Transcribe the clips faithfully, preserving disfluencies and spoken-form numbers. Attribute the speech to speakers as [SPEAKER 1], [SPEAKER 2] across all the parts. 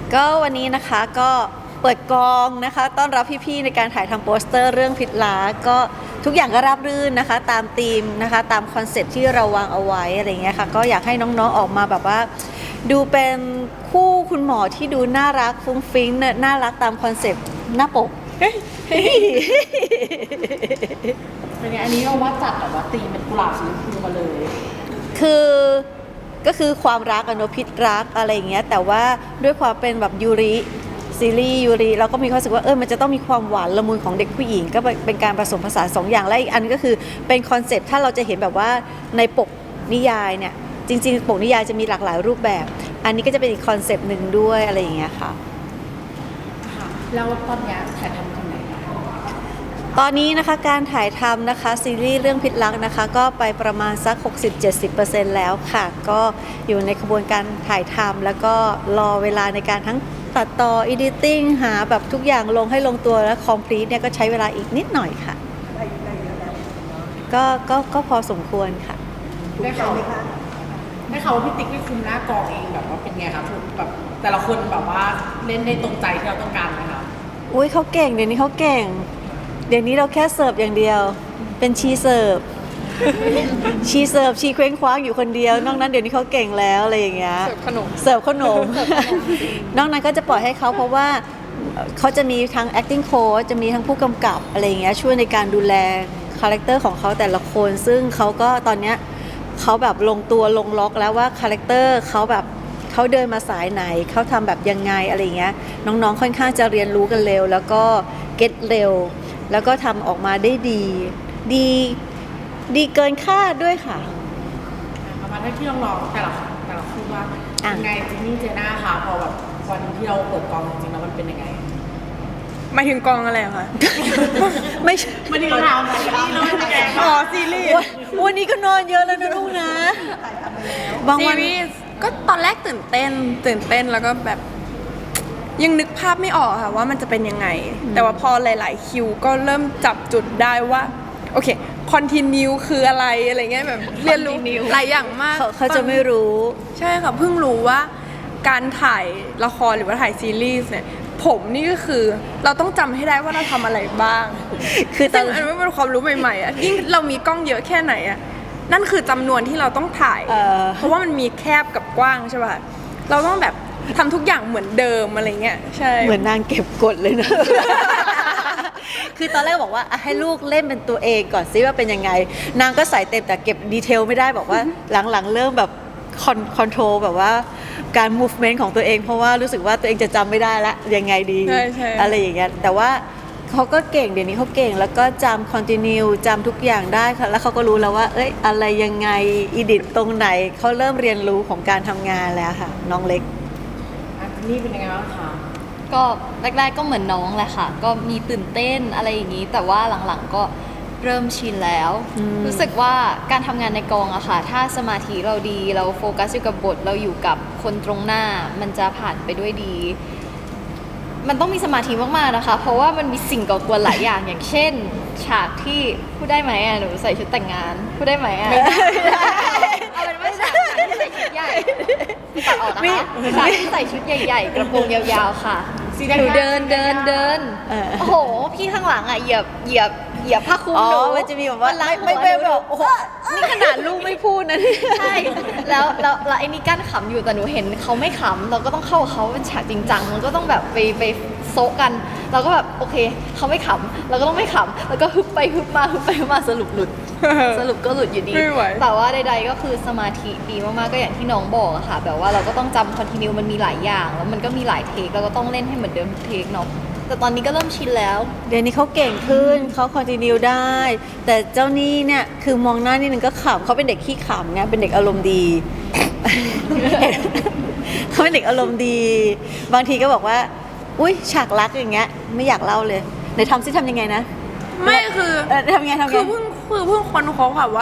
[SPEAKER 1] ก็วันนี้นะคะก็เปิดกองนะคะต้อนรับพี่ๆในการถ่ายทำโปสเตอร์เรื่องพิษล้าก็ทุกอย่างก็ราบรื่นนะคะตามธีมนะคะตามคอนเซ็ปต์ที่เราวางเอาไว้อะไรเงี้ยค่ะก็อยากให้น้องๆออกมาแบบว่าดูเป็นคู่คุณหมอที่ดูน่ารักฟุ้งฟิ้งน่ารักตามคอนเซ็ปต์หน้าปก
[SPEAKER 2] เป็นไงอันนี้เราว่าจัดแบบว่าตีเป็นกุหลาบสีชมพูมาเลย
[SPEAKER 1] คือก็คือความรักอะเนอะพิษรักอะไรอย่างเงี้ยแต่ว่าด้วยความเป็นแบบยูริซีรีส์ยูริเราก็มีความรู้สึกว่าเออมันจะต้องมีความหวานละมุนของเด็กผู้หญิงก็เป็นการผสมผสานสองอย่างและอีกอันก็คือเป็นคอนเซ็ปต์ถ้าเราจะเห็นแบบว่าในปกนิยายเนี่ยจริงๆปกนิยายจะมีหลากหลายรูปแบบ อันนี้ก็จะเป็นอีกคอนเซ็ปต์หนึ่งด้วยอะไรอย่างเงี้ยค่ะ
[SPEAKER 2] ค่ะแล้วตอนนี้ถ่ายทำกันไหนคะ
[SPEAKER 1] ตอนนี้นะคะการถ่ายทำนะคะซีรีส์เรื่องพิษรักนะคะก็ไปประมาณสัก หกสิบถึงเจ็ดสิบเปอร์เซ็นต์ แล้วค่ะก็อยู่ในกระบวนการถ่ายทำแล้วก็รอเวลาในการทั้งตัดต่อ editing หาแบบทุกอย่างลงให้ลงตัวและ complete เนี่ยก็ใช้เวลาอีกนิดหน่อยค่ะก็ก็ก็พอสมควรค่ะ
[SPEAKER 2] ได้ข่าวได้ข่าวว่าพี่ติ๊กได้คุมหน้ากองเองแบบว่าเป็นไงคะถูกแบบแต่ละคนแบบว่าเล่นได้ตรงใจที่เราต้องการไหมคะ
[SPEAKER 1] อุ้ยเขาเก่งเดี๋ยวนี้เขาเก่งเดี๋ยวนี้เราแค่เสิร์ฟอย่างเดียวเป็นชีเสิร์ฟ ชีเสิร์ฟชีเคว้งคว้างอยู่คนเดียวนอกนั้นเดี๋ยวนี้เขาเก่งแล้วอะไรอย่างเงี้ยเสิร์ฟขนมเสิร์ฟขนม นอกนั้นก็จะปล่อยให้เขาเพราะว่าเขาจะมีทั้ง acting coach จะมีทั้งผู้กำกับอะไรอย่างเงี้ยช่วยในการดูแลคาแรคเตอร์ของเขาแต่ละคนซึ่งเขาก็ตอนเนี้ยเขาแบบลงตัวลงล็อกแล้วว่าคาแรคเตอร์เขาแบบเขาเดินมาสายไหนเขาทำแบบยังไงอะไรอย่างเงี้ยน้องๆค่อนข้างจะเรียนรู้กันเร็วแล้วก็เก็ตเร็วแล้วก็ทำออกมาได้ดีดีดีเกินคาดด้วยค่ะ
[SPEAKER 2] ประมาณที่น้องๆแต่ละแต่ละคู่ว่ายังไงจินนี่เจน่าคะพอแบบวันที่เราเปิดกองจริงๆแล้วมันเป็นยังไง
[SPEAKER 3] หมายถึงกองอะไรอะคะ
[SPEAKER 1] ไม่ใช่
[SPEAKER 2] มันนี่เราทำซีรีส์เราไม่แกง
[SPEAKER 3] อ๋อซีรีส์
[SPEAKER 1] วันวันนี้ก็นอนเยอะแล้วนะลูกนะบาง
[SPEAKER 3] ซี
[SPEAKER 1] วัน
[SPEAKER 3] รีส์ก็ตอนแรกตื่นเต้น ตื่นเต้นแล้วก็แบบยังนึกภาพไม่ออกค่ะว่ามันจะเป็นยังไง แต่ว่าพอหลาย ๆ คิวก็เริ่มจับจุดได้ว่าโอเคคอนติเนียคืออะไรอะไรเงี้ยแบบเรียนรู้หลายอย่างมาก
[SPEAKER 1] เขาเขาจะไม่รู้
[SPEAKER 3] ใช่ค่ะเพิ่งรู้ว่าการถ่ายละครหรือว่าถ่ายซีรีส์เนี่ยผมนี่ก็คือเราต้องจำให้ได้ว่าเราทำอะไรบ้าง
[SPEAKER 1] คือตอ
[SPEAKER 3] ซึ่
[SPEAKER 1] น
[SPEAKER 3] งอันนี้เป็นความรู้ใหม่ๆอ่ะยิ่งเรามีกล้องเยอะแค่ไหนอ่ะนั่นคือจำนวนที่เราต้องถ่าย
[SPEAKER 1] เอ่อ
[SPEAKER 3] เพราะว่ามันมีแคบกับกว้างใช่ป่ะเราต้องแบบทำทุกอย่างเหมือนเดิมอะไรเงี้ยใช่
[SPEAKER 1] เหมือนนางเก็บกดเลยนะ คือตอนแรกบอกว่าอ่ะให้ลูกเล่นเป็นตัวเองก่อนซิว่าเป็นยังไง นางก็ใส่เต็มแต่เก็บดีเทลไม่ได้บอกว่า หลังๆเริ่มแบบคอนคอนโทรลแบบว่าการ movement ของตัวเองเพราะว่ารู้สึกว่าตัวเองจะจำไม่ได้ละยังไงดี
[SPEAKER 3] ใช่ใช่
[SPEAKER 1] อะไรอย่างเงี้ยแต่ว่าเขาก็เก่งเดี๋ยวนี้เขาเก่งแล้วก็จำ continue จำทุกอย่างได้ค่ะแล้วเขาก็รู้แล้วว่าเอ้ยอะไรยังไงอีดิตตรงไหนเขาเริ่มเรียนรู้ของการทำงานแล้วค่ะน้องเล็ก
[SPEAKER 2] อ่ะจินนี่เป็นยังไงบ้างคะ
[SPEAKER 4] ก็แรกๆก็เหมือนน้องแหละค่ะ ก็มีตื่นเต้นอะไรอย่างนี้ แต่ว่าหลังๆก็เริ่มชินแล้ว
[SPEAKER 1] อืม
[SPEAKER 4] รู้สึกว่าการทำงานในกองอะค่ะ ถ้าสมาธิเราดี เราโฟกัสอยู่กับบท เราอยู่กับคนตรงหน้า มันจะผ่านไปด้วยดี มันต้องมีสมาธิมากๆนะคะ เพราะว่ามันมีสิ่งก่อกวนหลายอย่าง อย่างเช่น ฉากที่พูดได้ไหมอะหนูใส่ชุดแต่งงานพูดได้ไหมอะเอาเป็นว่าฉากที่ใส่ชุดใหญ่ตัดออกนะคะฉากที่ใส่ชุดใหญ่ ๆ กระโปรงยาวๆค่ะ
[SPEAKER 2] ซี
[SPEAKER 4] หนูเดินเดินเดิน
[SPEAKER 1] เออ
[SPEAKER 4] โอ้โห พี่ข้างหลังอ่ะเหยียบเหยียบเหยียบผ้าคลุม
[SPEAKER 1] อ๋อ
[SPEAKER 4] หนู
[SPEAKER 1] มันจะมีแบบว่า
[SPEAKER 4] รั
[SPEAKER 1] ไม่
[SPEAKER 4] ด
[SPEAKER 1] ไม่
[SPEAKER 4] หัว
[SPEAKER 1] ไม่
[SPEAKER 4] หนู
[SPEAKER 1] แบบโอ้โหนี่ขนาดลูกไม่พูดนะเนี่ย
[SPEAKER 4] ใช่ แล้วแล้วแล้วไอ้นี่กั้นขำอยู่แต่หนูเห็นเขาไม่ขำเราก็ต้องเข้ากับเขาเป็นฉากจริงจังมันก็ต้องแบบไปไปโซะกัน เราก็แบบโอเคเขาไม่ขำเราก็ต้องไม่ขำแล้วก็ฮึบไปฮึบมาฮึบไปฮึบมาสรุปหลุด สรุปก็หลุดอยู่ดี
[SPEAKER 3] ไม่ไหว
[SPEAKER 4] แต่ว่าใดๆก็คือสมาธิดีมากๆก็อย่างที่น้องบอกอะค่ะ แบบว่าเราก็ต้องจำคอนติเนียมันมีหลายอย่าง แล้วมันก็มีหลายเทคเราก็ต้องเล่นให้เหมือนเดิมทุกเทคเนาะแต่ตอนนี้ก็เริ่มชินแล้ว
[SPEAKER 1] เดี๋ยวนี้เขาเก่งขึ้นเขาคอนติเนียได้ แต่เจ้านี่เนี่ยคือมองหน้านี่นึงก็ขำเขาเป็นเด็กขี้ขำไงเป็นเด็กอารมณ์ดี เขาเป็นเด็กอารมณ์ดี บางทีก็บอกว่า อุ้ยฉากรักอย่างเงี้ยไม่อยากเล่าเลยไหนทำซิทำยังไงนะ
[SPEAKER 3] ไม่คือ
[SPEAKER 1] เออทำยังไงทำยัง
[SPEAKER 3] คือ
[SPEAKER 1] ไง
[SPEAKER 3] เพิ่งคือเพิ่งค้นพบค่ะว่า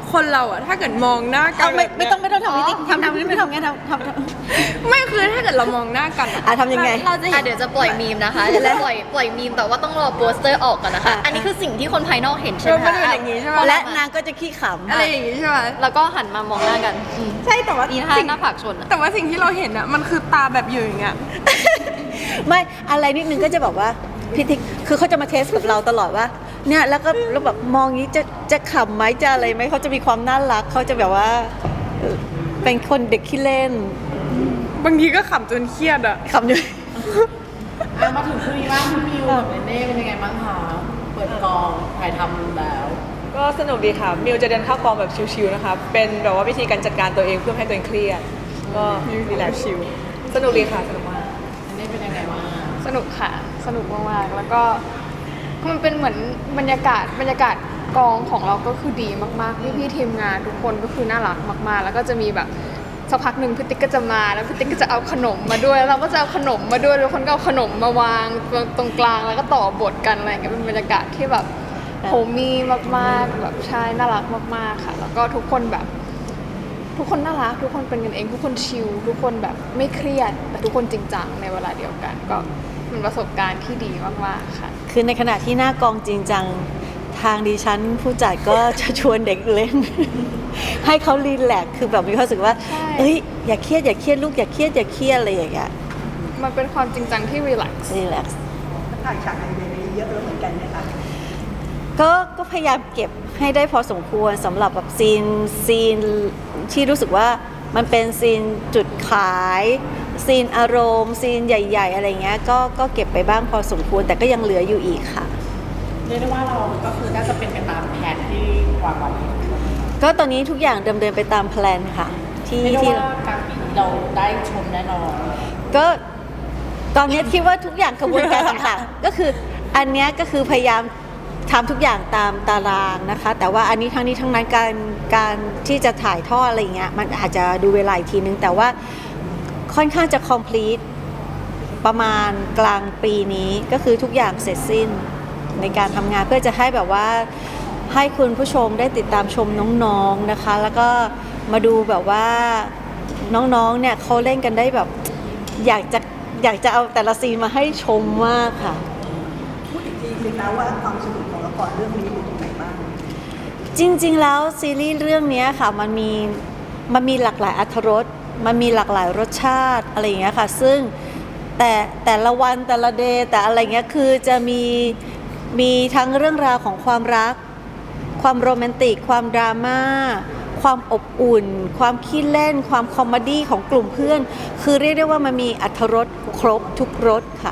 [SPEAKER 3] คนเราอะถ้าเกิดมองหน้ากั
[SPEAKER 1] เอา
[SPEAKER 3] น
[SPEAKER 1] ไม่
[SPEAKER 3] แบบ
[SPEAKER 1] ไม่
[SPEAKER 3] เนี้ย
[SPEAKER 1] ต้องไม่ต้องทำพี่ติ๊กทำทำไม่ทำไงทำทำทำ
[SPEAKER 3] ไม่คือถ้าเกิดเรามองหน้ากัน
[SPEAKER 1] อ่ะทำยังไง
[SPEAKER 3] เราจะเห็
[SPEAKER 4] อ่ะ
[SPEAKER 3] น
[SPEAKER 4] เดี๋ยวจะปล่อยมีมนะคะเดี๋ยวจะปล่อยปล่อยมีมแต่ว่าต้องรอโปสเตอร์ออกก่อนนะคะ
[SPEAKER 1] อ่ะ
[SPEAKER 4] อันนี้คือสิ่งที่คนภายนอกเห็นใช่
[SPEAKER 3] เอ
[SPEAKER 4] ไห
[SPEAKER 3] อ
[SPEAKER 4] ม
[SPEAKER 3] มัน
[SPEAKER 4] คะ
[SPEAKER 3] เป็นอย่างนี้ใช่ไหม
[SPEAKER 1] และนางก็จะขี้ขำ
[SPEAKER 3] อะไรอย่างงี้ใช่ไหม
[SPEAKER 4] แล้วก็หันมามองหน้ากันอืม
[SPEAKER 3] ใช่แต่ว่า
[SPEAKER 4] อีท่า
[SPEAKER 3] สิ่ง
[SPEAKER 4] หน้าผากชนอะ
[SPEAKER 3] แต่ว่าสิ่งที่เราเห็นอะมันคือตาแบบอยู่อย่างเงี้ย
[SPEAKER 1] ไม่อะไรนิดนึงก็จะแบบว่าพี่ติ๊กคือเขาจะมาเทสกับเราตลอดว่าเนี่ยแล้วก็แล้วแบบมองงี้จะจะขำไหมจะอะไรไหมเขาจะมีความน่ารักเขาจะแบบว่าเออเป็นคนเด็กขี้เล่น
[SPEAKER 3] บางทีก็ขำจนเครียดอะ
[SPEAKER 1] ขำอยู่
[SPEAKER 2] อ่ะมาถึงคู่นี้บ้างพี่มิวกับเนเน่เป็นยังไงบ้างคะเปิดกองถ่ายทำแล้ว
[SPEAKER 5] ก็สนุกดีค่ะ มิวจะเดินเข้ากองแบบชิลๆนะคะ เป็นแบบว่าวิธีการจัดการตัวเองเพื่อไม่ให้ตัวเองเครียด ก็รีแลกซ์ชิล สนุกดีค่ะ สนุกมาก
[SPEAKER 2] เนเน่เป็นยังไงบ้าง
[SPEAKER 6] สนุกค่ะ สนุกมากๆ แล้วก็มันเป็นเหมือนบรรยากาศบรรยากาศกองของเราก็คือดีมากๆ พี่พี่ๆทีมงานทุกคนก็คือน่ารักมากๆ แล้วก็จะมีแบบสักพักหนึ่งพี่ติ๊กก็จะมาแล้วพี่ติ๊กก็จะเอาขนมมาด้วยแล้วเราก็จะเอาขนมมาด้วยแล้วคนก็เอาขนมมาวางตรงกลางแล้วก็ต่อบทกันอะไรอย่างเงี้ยเป็นบรรยากาศที่แบบโฮมี่มากๆแบบใช่น่ารักมากๆค่ะ แล้วก็ทุกคนแบบ ทุกคนน่ารักทุกคนเป็นกันเองทุกคนชิลทุกคนแบบไม่เครียดแต่ทุกคนจริงจังในเวลาเดียวกัน ก็เป็นประสบการณ์ที่ดีมากๆค่ะ
[SPEAKER 1] คือในขณะที่หน้ากองจริงจังทางดิฉันผู้จัดก็จะชวนเด็กเล่น ให้เขารีแลกซ์คือแบบมีความรู้สึกว่า
[SPEAKER 6] ใช่
[SPEAKER 1] เอ้ยอย่าเครียดอย่าเครียดลูกอย่าเครียดอย่าเครียดอะไรอย่างเงี้ย
[SPEAKER 6] มันเป็นความจริงจังที่รีแลกซ์
[SPEAKER 1] รีแลกซ์
[SPEAKER 7] ถ่ายฉากไอเดียนี้เยอะแล้วเหมือนกันไหมคะ
[SPEAKER 1] ก็ก็พยายามเก็บให้ได้พอสมควรสำหรับแบบซีนซีนที่รู้สึกว่ามันเป็นซีนจุดขายซีนอารมณ์ซีนใหญ่ ๆ อะไรเงี้ยก็ก็เก็บไปบ้างพอสมควรแต่ก็ยังเหลืออยู่อีกค่ะ
[SPEAKER 2] เรียกได้ว่าเราก็คือน่าจะเป็นไปตามแผนที่วางไว้
[SPEAKER 1] ก็ตอนนี้ทุกอย่างดำเนินไปตามแพลนค่ะ ที่
[SPEAKER 2] เรียกได้
[SPEAKER 1] ที่
[SPEAKER 2] ว่ากลางปีนี้เราได้ชมแน่นอน
[SPEAKER 1] ก็ตอนนี้คิดว่าทุกอย่างกระบวนการต่างๆ ก็คืออันเนี้ยก็คือพยายามทำทุกอย่างตามตารางนะคะ แต่ว่าอันนี้ทั้งนี้ทั้งนั้นการการที่จะถ่ายทอดอะไรเงี้ยมันอาจจะดูเวลาอีกทีนึง แต่ว่าค่อนข้างจะ complete ประมาณกลางปีนี้ก็คือทุกอย่างเสร็จสิ้นในการทำงานเพื่อจะให้แบบว่าให้คุณผู้ชมได้ติดตามชมน้องๆนะคะ แล้วก็มาดูแบบว่าน้องๆเนี่ยเขาเล่นกันได้แบบอยากจะอยากจะเอาแต่ละซีนมาให้ชมมากค่ะ
[SPEAKER 7] พูดอีกทีนึงนะว่าความสนุกของละครเรื่องนี้อยู่ตรงไหนบ้าง
[SPEAKER 1] จริงๆ แล้วซีรีส์เรื่องนี้ค่ะมันมีมันมีหลากหลายอรรถรสมันมีหลากหลายรสชาติอะไรอย่างเงี้ยค่ะซึ่งแต่แต่ละวันแต่ละเดย์แต่อะไรเงี้ยคือจะมีมีทั้งเรื่องราวของความรัก ความโรแมนติก ความดราม่าความอบอุ่น ความขี้เล่น ความคอมเมดี้ของกลุ่มเพื่อน คือเรียกได้ว่ามันมีอรรถรสครบทุกรสค่ะ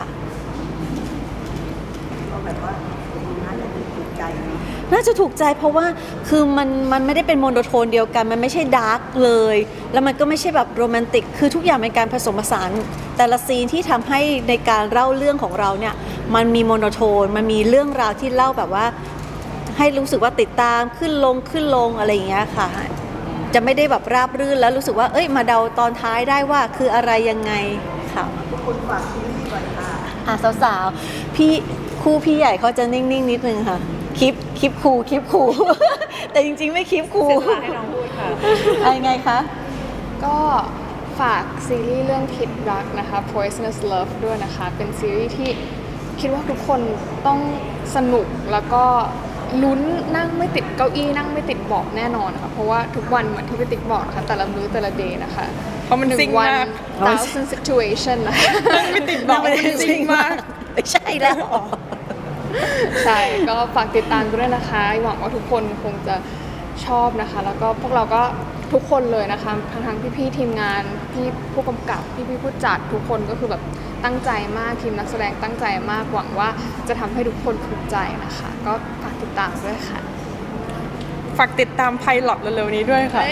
[SPEAKER 7] ก็แบบว่าน่าจะถูกใจนะ
[SPEAKER 1] น่าจะถูกใจเพราะว่าคือมันมันไม่ได้เป็นโมโนโทนเดียวกัน มันไม่ใช่ดาร์กเลย แล้วมันก็ไม่ใช่แบบโรแมนติกคือทุกอย่างเป็นการผสมผสานแต่ละซีนที่ทำให้ในการเล่าเรื่องของเราเนี่ยมันมีโมโนโทนมันมีเรื่องราวที่เล่าแบบว่าให้รู้สึกว่าติดตามขึ้นลงขึ้นลงอะไรอย่างเงี้ยค่ะจะไม่ได้แบบราบรื่นแล้วรู้สึกว่าเอ้ยมาเดาตอนท้ายได้ว่าคืออะไรยังไงค่ะ
[SPEAKER 7] ทุกคนฝากซีรีส์ก่อนค่ะ
[SPEAKER 1] อ่ะสาวๆพี่คู่พี่ใหญ่เขาจะนิ่งๆนิดนึงค่ะคลิปคลิปคูคลิปคู แต่จริงๆไม่คลิปคู
[SPEAKER 5] เสียสละให้น้องพูดค่ะ
[SPEAKER 1] อะไรไงคะ
[SPEAKER 6] ก็ฝากซีรีส์เรื่องพิษรักนะคะ Poisonous Love ด้วยนะคะ เป็นซีรีส์ที่คิดว่าทุกคนต้องสนุกแล้วก็ลุ้นนั่งไม่ติดเก้าอี้นั่งไม่ติดเบาะแน่นอนค่ะเพราะว่าทุกวันเหมือนที่พี่ติ๊กบอกนะคะแต่ละมื้อแต่ละเดย์นะคะ
[SPEAKER 3] เพราะมัน
[SPEAKER 6] หนึ่
[SPEAKER 3] ซิ่ง
[SPEAKER 6] งวัน
[SPEAKER 3] มาก
[SPEAKER 6] thousand situation นะคะ
[SPEAKER 3] ไม่ติดบอกว่ามันซิ่งมาก
[SPEAKER 1] ไม่ใช่แล้ว
[SPEAKER 6] ใช่ ก็ฝากติดตามด้วยนะคะ หวังว่าทุกคนคงจะชอบนะคะ แล้วก็พวกเราก็ทุกคนเลยนะคะทั้งทั้งพี่ๆทีมงานพี่ผู้กำกับพี่ๆผู้จัดทุกคนก็คือแบบตั้งใจมากทีมนักแสดงตั้งใจมากหวังว่าจะทำให้ทุกคนภูมิใจนะคะ ก็ฝากติดตามด้วยค่ะ
[SPEAKER 3] ฝากติดตามไพลอตเร็วๆนี้ด้วยค่ะ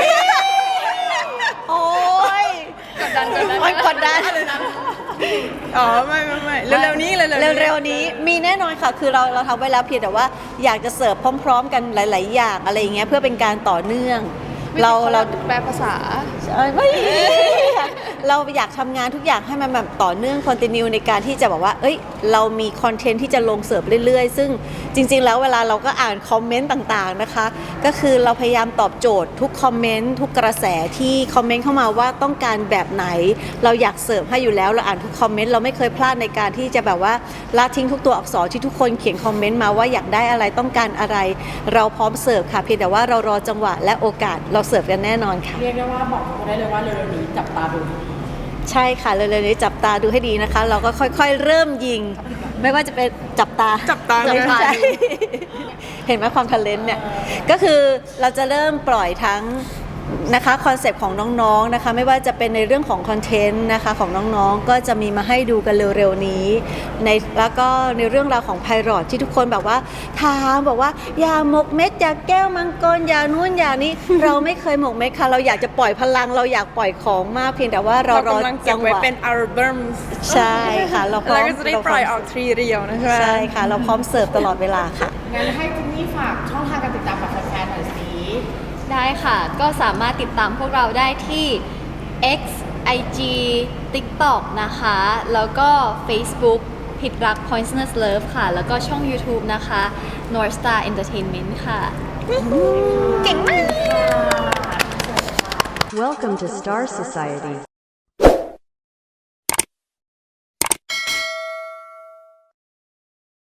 [SPEAKER 1] โอ้ย
[SPEAKER 6] กดดันกดดัน
[SPEAKER 1] โอ๊ยกดดัน
[SPEAKER 3] อ๋อ ไม่ไม่ไม่เร็วๆนี้เร็วๆนี้
[SPEAKER 1] เร็วๆนี้มีแน่นอนค่ะ คือเราเราทำไว้แล้วเพียงแต่ว่าอยากจะเสิร์ฟพร้อม ๆ กันหลาย ๆ อย่างอะไรอย่างเงี้ยเพื่อเป็นการต่อเนื่อง เราเรา
[SPEAKER 6] แปลภาษา
[SPEAKER 1] เอ้ยไม่เราอยากทำงานทุกอย่างให้มันแบบต่อเนื่องคอนติเนียในการที่จะบอกว่าเอ้ยเรามีคอนเทนต์ที่จะลงเสิร์ฟเรื่อยๆ ซึ่งจริงๆแล้วเวลาเราก็อ่านคอมเมนต์ต่างๆนะคะก็คือเราพยายามตอบโจทย์ทุกคอมเมนต์ทุกกระแสที่คอมเมนต์เข้ามาว่าต้องการแบบไหนเราอยากเสิร์ฟให้อยู่แล้วเราอ่านทุกคอมเมนต์เราไม่เคยพลาดในการที่จะแบบว่าละทิ้งทุกตัวอักษรที่ทุกคนเขียนคอมเมนต์มาว่าอยากได้อะไรต้องการอะไร เราพร้อมเสิร์ฟค่ะเพียงแต่ว่าเรารอจังหวะและโอกาสเราเสิร์ฟกันแน่นอนค่ะ
[SPEAKER 2] เรียกได้ว่าบอกทุกคนได้เลยว่าเร็วๆนี้จับตาดู
[SPEAKER 1] ใช่ค่ะเร็วๆนี้จับตาดูให้ดีนะคะ เราก็ค่อยๆ เริ่มยิง ไม่ว่าจะเป็นจับตา
[SPEAKER 3] จับตา
[SPEAKER 1] ไม่ใช่ เห็นไหมความทะเลนเนี่ยก็คือเราจะเริ่มปล่อยทั้งนะคะคอนเซปต์ของน้องๆนะคะไม่ว่าจะเป็นในเรื่องของคอนเทนต์นะคะของน้องๆก็จะมีมาให้ดูกันเร็วๆนี้ในแล้วก็ในเรื่องราวของไพรอตที่ทุกคนแบบว่าถามบอกว่าอย่าหมกเม็ดอย่าแก้วมังกรอย่านู่นอย่านี้ เราไม่เคยหมกเม็ดค่ะเราอยากจะปล่อยพลังเราอยากปล่อยของมากเพียงแต่ว่าเรา
[SPEAKER 3] เรา
[SPEAKER 1] รอก
[SPEAKER 3] ำลังเก็
[SPEAKER 1] จั
[SPEAKER 3] บ
[SPEAKER 1] งห
[SPEAKER 3] ไว้
[SPEAKER 1] วะ
[SPEAKER 3] เป็นอัลบั้ม
[SPEAKER 1] ใช่ค่ะเราพร้อ
[SPEAKER 3] แล้ว
[SPEAKER 1] ม
[SPEAKER 3] ก็จะได้ปล่อยออกทรีเรียวนะใช่ไหม
[SPEAKER 1] ใช่ค่ะ เราพร้อมเสิร์ฟตลอดเวลาค่ะ
[SPEAKER 2] งั้นให้จินนี่ฝากช่องทางการติดตามกับแฟนๆหน่อยสิ
[SPEAKER 4] ได้ค่ะ ก็สามารถติดตามพวกเราได้ที่ X ไอ จี TikTok นะคะ แล้วก็ Facebook ผิดรัก Poisonous Love ค่ะ แล้วก็ช่อง YouTube นะคะ North Star Entertainment ค่ะ
[SPEAKER 8] Welcome to Star Society.